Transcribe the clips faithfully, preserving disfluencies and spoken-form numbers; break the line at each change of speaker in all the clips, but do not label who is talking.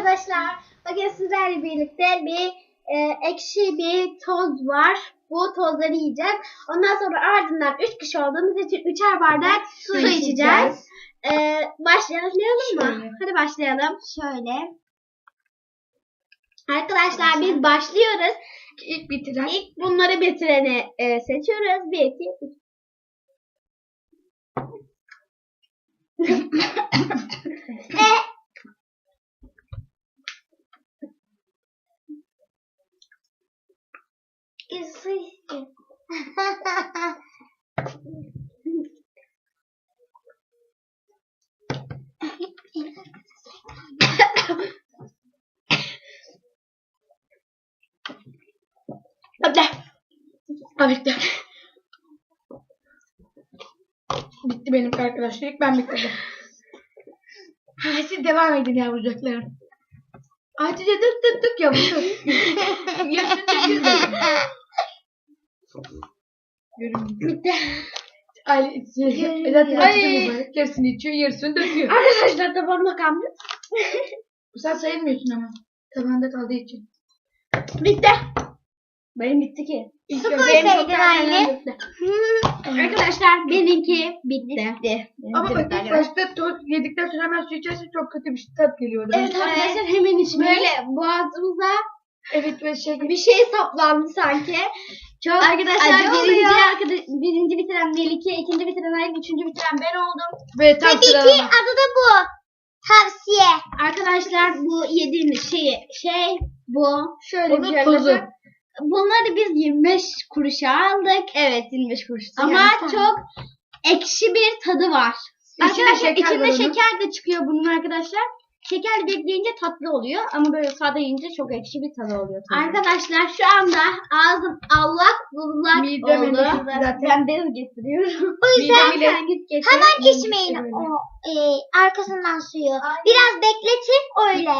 arkadaşlar. Bugün sizlerle birlikte bir e, ekşi bir toz var. Bu tozları yiyeceğiz. Ondan sonra ardından üç kişi olduğumuz için üçer bardak su, su içeceğiz. içeceğiz. E, başlayalım mı? Şöyle. Hadi başlayalım. Şöyle. Arkadaşlar biz başlıyoruz.
İlk bitiren.
İlk bunları bitireni e, seçiyoruz. Bir, iki, üç. e,
Hadi. Bitti. Bitti benim arkadaşlar. İlk ben bitirdim. Ha, siz devam edin yavrucaklarım. Hatice dık dık dık yavrucak. Yaşın çekiyor.
Bitti.
Ay, zaten Hatice yarısını içiyor, yarısını döküyor.
Arkadaşlar tabağımda kalmış.
Sen sayılmıyorsun ama. Tabağında kaldığı için.
Bitti. Benim bitti ki.
İlk
Su
önce
koysaydın
benim çok
anne.
fazla döktü.
Arkadaşlar benimki bitti.
Ama bak ilk başta toz yedikten sonra hemen su içersen çok kötü bir tat geliyor.
Evet arkadaşlar hemen içmeyi. Böyle boğazımıza
Evet ve şey
bir şey saplandı sanki. Çok arkadaşlar
acı
birinci,
oluyor.
arkadaş, birinci bitiren Melike, ikinci bitiren Aylin, üçüncü bitiren ben oldum.
ve tam
Tabii ki
sıralama.
adı da bu. Tavsiye.
Arkadaşlar bu yediğimiz şey şey bu. Şöyle
Onun
bir şey
tozu.
arkadaşlar. Bunları biz yirmi beş kuruşa aldık. Evet yirmi beş kuruş. Ama
Yani.
çok ekşi bir tadı var.
İçinde
Arkadaşlar
şeker
içinde
var onun.
şeker de çıkıyor bunun arkadaşlar. Şeker bekleyince tatlı oluyor ama böyle sade yiyince çok ekşi bir tadı oluyor. Tabii. Arkadaşlar şu anda ağzım allak bullak
Midem
oldu.
emdi zaten.
Ben bez getiriyorum.
O yüzden
Midem bile-
Sen git getir.
hemen içmeyin
Böyle.
o e, arkasından suyu. Biraz bekletin öyle.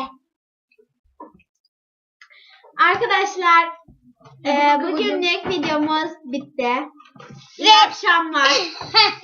Arkadaşlar e,
Hadi bakalım.
bugünlük videomuz bitti. İyi
Ve-
akşamlar.